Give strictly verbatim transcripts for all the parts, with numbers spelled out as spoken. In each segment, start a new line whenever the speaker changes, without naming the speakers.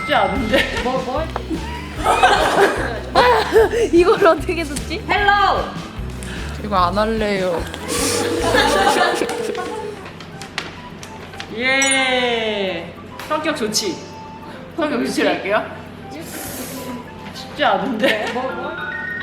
쉽지 않은데.
뭐 뭐?
이걸 어떻게 듣지?
헬로.
이거 안 할래요. 예. 성격 좋지. 성격 좋지 할게요. 쉽지 않은데.
뭐 뭐?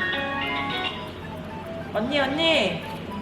언니 언니.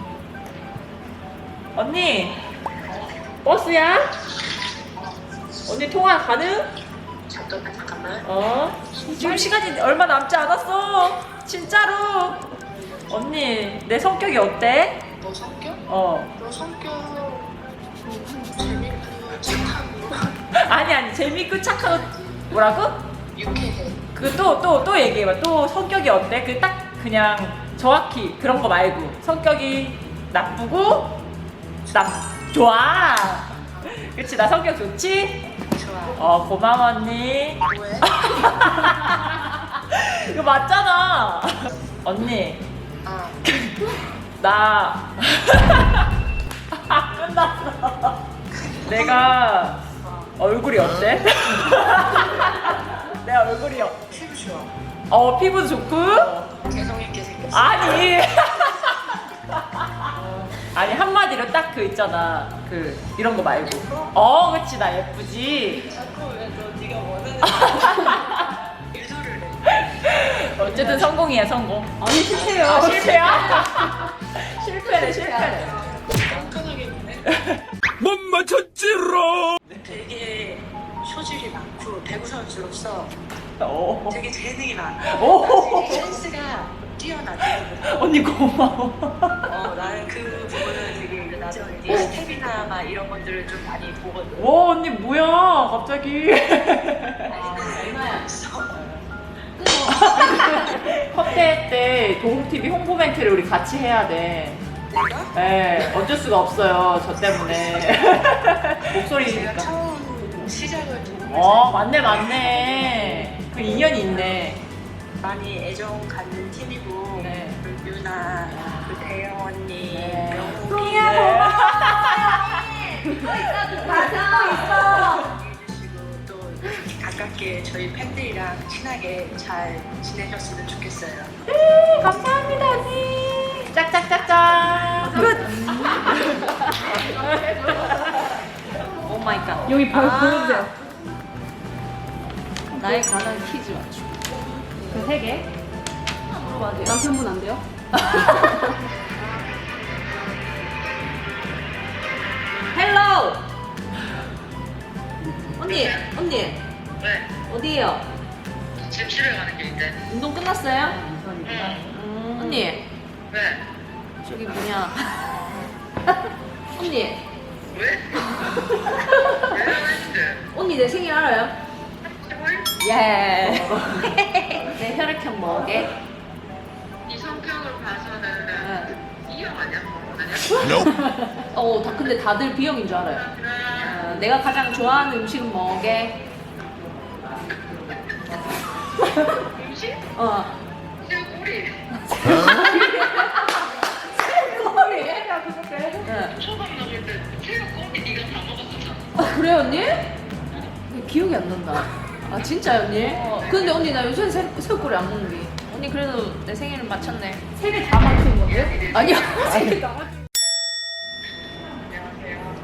언니. 버스야? 언니 통화 가능?
잠깐만 잠깐만.
어? 지금 시간이 얼마 남지 않았어. 진짜로. 언니 내 성격이 어때?
너 성격?
어.
너 성격 재밌고 착하고
아니 아니 재밌고 착하고 뭐라고?
유쾌해.
그 또 또 또 얘기해봐. 또 성격이 어때? 그 딱 그냥 정확히 그런 거 말고 성격이 나쁘고 나 좋아. 그치 나 성격 좋지?
좋아.
어 고마워 언니.
왜?
이거 맞잖아. 언니
아
나 끝났어. 내가 얼굴이 어때? 내 얼굴이 어,
피부 좋아.
어 피부도 좋고
개성 있게 생겼어.
아니 아니 한마디로 딱 그 있잖아 그 이런 거 말고 어 그치 나 예쁘지.
자꾸 왜너 네가 원하는 유도를 해.
어쨌든 성공이야 성공.
아니 실패요.
아, 실패야? 실패네 실패네.
깐깐하게 보네.
못 맞췄지롱.
되게 소질이 많고 배구 선수로서
오.
되게 재능이 많아.
오.
센스가 뛰어나더라고.
언니 고마워.
어 나는 그 부분은 되게 나도 이제 스텝이나 막 이런 것들을 좀 많이 보거든.
와 언니 뭐야 갑자기.
얼마야 없어.
컷대 때 도움티비 홍보 멘트를 우리 같이 해야 돼.
내가?
네, 어쩔 수가 없어요. 저 때문에.
제가
목소리니까.
처음 시작을 좀
어, 맞네, 맞네. 그 인연이 있네.
많이 애정 갖는 팀이고
네.
그 유나, 그 대영 언니,
네.
명욱이
네.
해주시고 또 가깝게 저희 팬들이랑 친하게 잘 지내셨으면 좋겠어요.
감사합니다, 언니. 짝짝짝짝. 끝. 오 마이 갓.
여기 별
아.
보여주세요.
나에 관한 퀴즈 맞추.
그 세 개.
물어봐도 돼요?
남편분 안 돼요?
헬로! 언니, 언니,
왜?
어디에요?
지금 집에 가는 길인데.
운동 끝났어요?
응.
음, 언니,
왜?
저기 뭐냐. 언니,
왜? 왜 했는데?
언니 내 생일 알아요? 예. 내 혈액형 뭐게?
이 성격을 봐서는 이형 아니야? 아니야?
어, 다, 근데 다들 B형인 줄 알아요. 어, 내가 가장 좋아하는 음식은 뭐게?
음식?
어.
새우꼬리.
꼬리. 응.
초밥 먹을 때 새우꼬리 네가 다 먹었었잖아.
아, 그래 언니? 기억이 안 난다. 아 진짜 언니? 근데 언니 나 요새 새, 새우꼬리 안 먹는 게. 언니 그래도 내 생일을 맞췄네.
세 개 다 맞추는 건데?
아니야. 세 개 다 맞.
안녕하세요.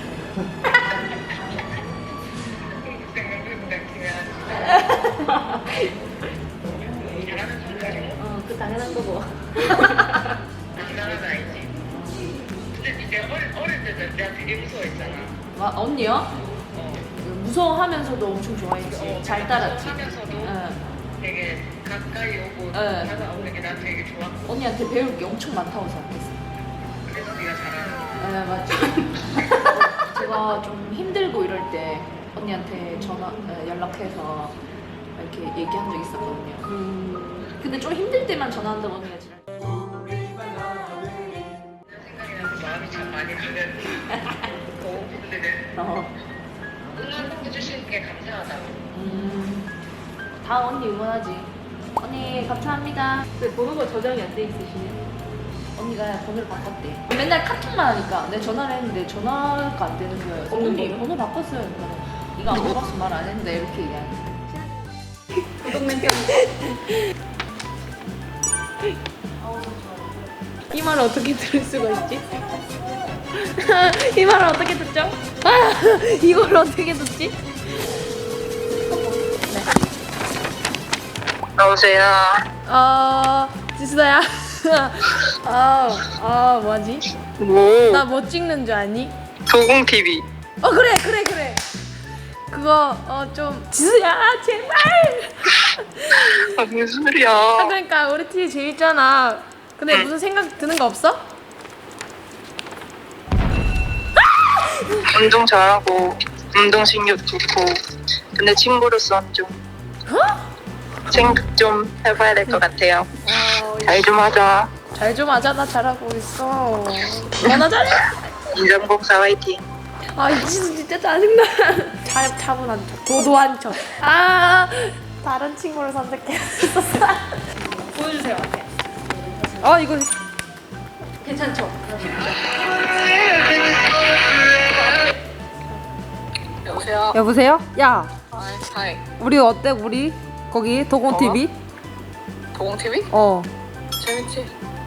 잘하는 성격이고
어, 그 당연한 거고.
대단하다 알지? 근데 내가 어릴, 어릴 때는 내가 되게 무서워했잖아.
와 언니요?
어.
무서워하면서도 엄청 좋아했지. 잘 따랐지.
하면서도
응.
되게 가까이 오고
응.
다가오는 게 난 되게 좋았고
언니한테 배울 게 엄청 많다고 생각했어.
그래서 네가 잘하는
네 맞지. 제가 좀 힘들고 이럴 때 언니한테 전화 어, 연락해서 이렇게 얘기한 적 있었거든요. 음, 근데 좀 힘들 때만 전화한다고 언니가 지랄.
생각이 나서 마음이 참 많이 가는 근데
어.
응원해주시는 게 감사하다고.
음, 다 언니 응원하지. 언니 감사합니다.
근데 번호가 저장이 안 돼 있으시네.
언니가 번호를 바꿨대. 맨날 카톡만 하니까 내 전화를 했는데 전화가 안 되는 거예요.
없는
언니
거예요?
번호 바꿨어요. 그러니까 이거 안 바꿨으면 말 안 했는데 이렇게 얘기하는.
이 말을 어떻게 들을 수가 있지? 이 말을 어떻게 듣죠? 아, 이걸 어떻게 듣지?
여보세요.
어, 지수야. 아, 아, 뭐지?
뭐?
나 뭐 찍는 줄 아니?
도공 티비.
어, 그래, 그래, 그래. 그거 어 좀 지수야, 제발.
아, 무슨 소리야?
아, 그러니까 우리 팀 재밌잖아. 근데 무슨 생각 드는 거 없어?
운동 잘하고 운동 신경 좋고 근데 친구로서는 좀 생각 좀 해봐야 될 것 같아요. 잘 좀 하자.
잘 좀 하자. 나 잘하고 있어. 너나 잘해.
인정봉사 화이팅.
아, 이 지수 진짜 짜증나. 잘 차분한 척, 도도한 척. 아, 다른 친구를 선택했었어. 보여주세요. 아, 이거 괜찮죠?
여보세요.
여보세요? 야,
하이.
우리 어때? 우리 거기 도공 티비?
도공 티비?
어.
재밌지?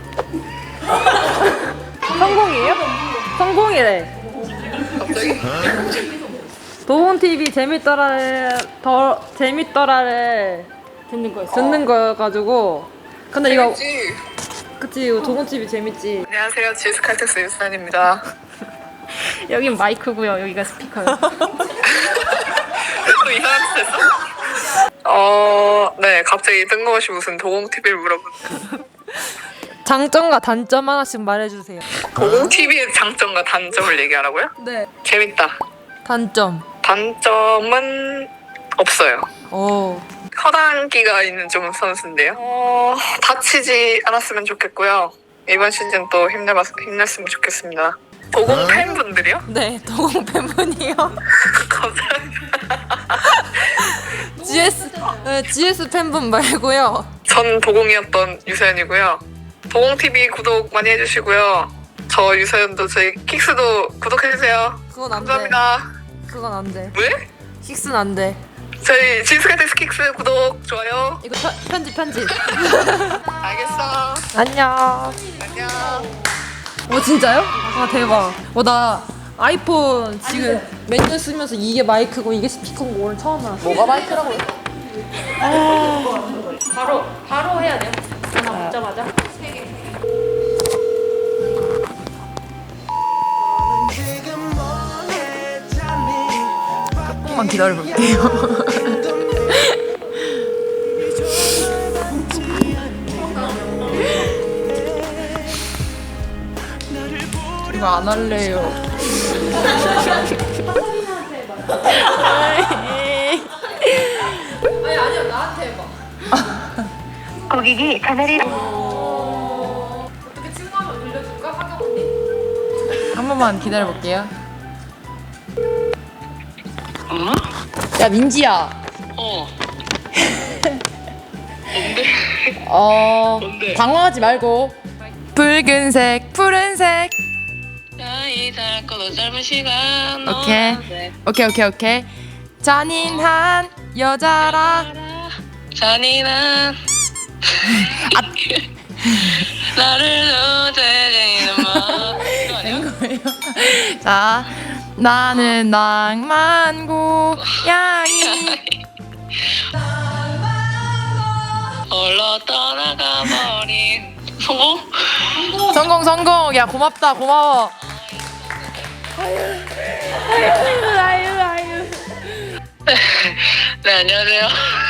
성공이에요? 성공이래.
갑자기?
도공 티비 재밌더라를 더 재밌더라를
듣는 거였어.
듣는 거여가지고. 근데 이거
재밌지?
그치 이거 도공 티비 재밌지.
안녕하세요. 지스칼텍스 유산입니다.
여긴 마이크고요. 여기가 스피커요.
또 이상한 짓 했어? 어, 네. 갑자기 뜬금없이 무슨 도공 티비를 물어보는.
장점과 단점 하나씩 말해주세요.
도공 티비의 장점과 단점을 얘기하라고요?
네.
재밌다.
단점.
단점은 없어요.
오.
허당기가 있는 좀 선수인데요. 어, 다치지 않았으면 좋겠고요. 이번 시즌 또 힘내봤, 힘냈으면 좋겠습니다. 도공 팬분들이요?
네, 도공 팬분이요.
감사합니다.
지에스 네, 지에스 팬분 말고요.
전 도공이었던 유서연이고요. 도공티비 구독 많이 해주시고요. 저 유서연도 저희 킥스도 구독해주세요.
그건 안 돼.
감사합니다.
그건 안 돼.
왜?
식스는 안 돼.
저희 지스카텍스 킥스 구독 좋아요.
이거 편, 편집 편집.
알겠어.
안녕.
안녕.
어 진짜요? 아 대박. 어 나 아이폰 지금 몇 년 쓰면서 이게 마이크고 이게 스피커인 거 오늘 처음 알았어. 뭐가 마이크라고요?
바로 바로 해야 돼요. 전화 먹자마자.
조금만 기다려볼게요. 이거 안 할래요. 아니 아니야 나한테 해봐.
고객이 전화를
어떻게 친구 한번 빌려줄까? 하경 언니? 한 번만 기다려볼게요.
어?
야 민지야.
어. 뭔데?
어
뭔데?
당황하지 말고. 붉은색, 푸른색.
나이 짧고도 짧은 시간
오케이.
너한테
오케이 오케이 오케이. 잔인한 여자라.
잔인한 나를 놓치는 마
된 거예요. 자, 나는 낭만 고양이.
홀로 떠나가 버린 성공?
성공 성공. 야 고맙다 고마워.
아유 아유.
네 안녕하세요.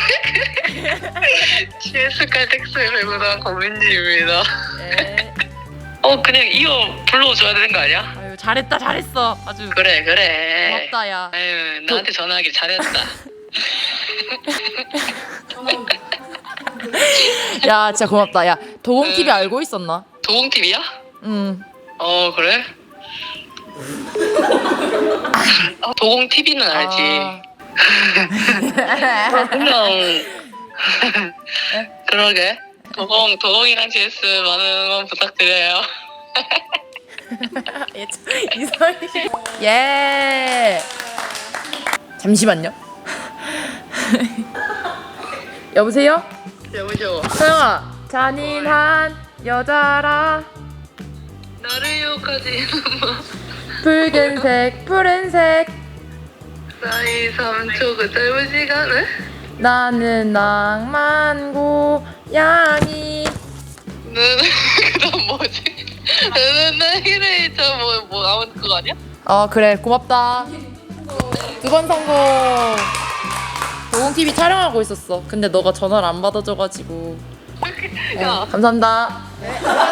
지에스 칼텍스 배구단 권민지입니다.
네.
어 그냥 이어 불러줘야 되는 거 아니야?
아유 잘했다 잘했어. 아주
그래 그래.
고맙다 야.
아유 나한테 전화하길 잘했다.
야 진짜 고맙다. 야 도공 티비 알고 있었나?
도공 티비야?
응.
어 그래? 아, 도공 티비는 알지.
아.
그냥 그러게. 도공 도공이랑 지에스 많은 응원 부탁드려요.
이상해. 예. 잠시만요. 여보세요?
여보세요.
서영아 잔인한 여자라
나를 유혹하지
붉은색 푸른색
사이 삼 초 그 짧은 시간을
나는 낭만 고양이
너는 그다음 뭐지? 너는 나이를 저뭐뭐 아무튼 그거 아니야?
어 그래 고맙다 두 번 성공 도공티비 촬영하고 있었어 근데 너가 전화를 안 받아줘가지고
야
감사합니다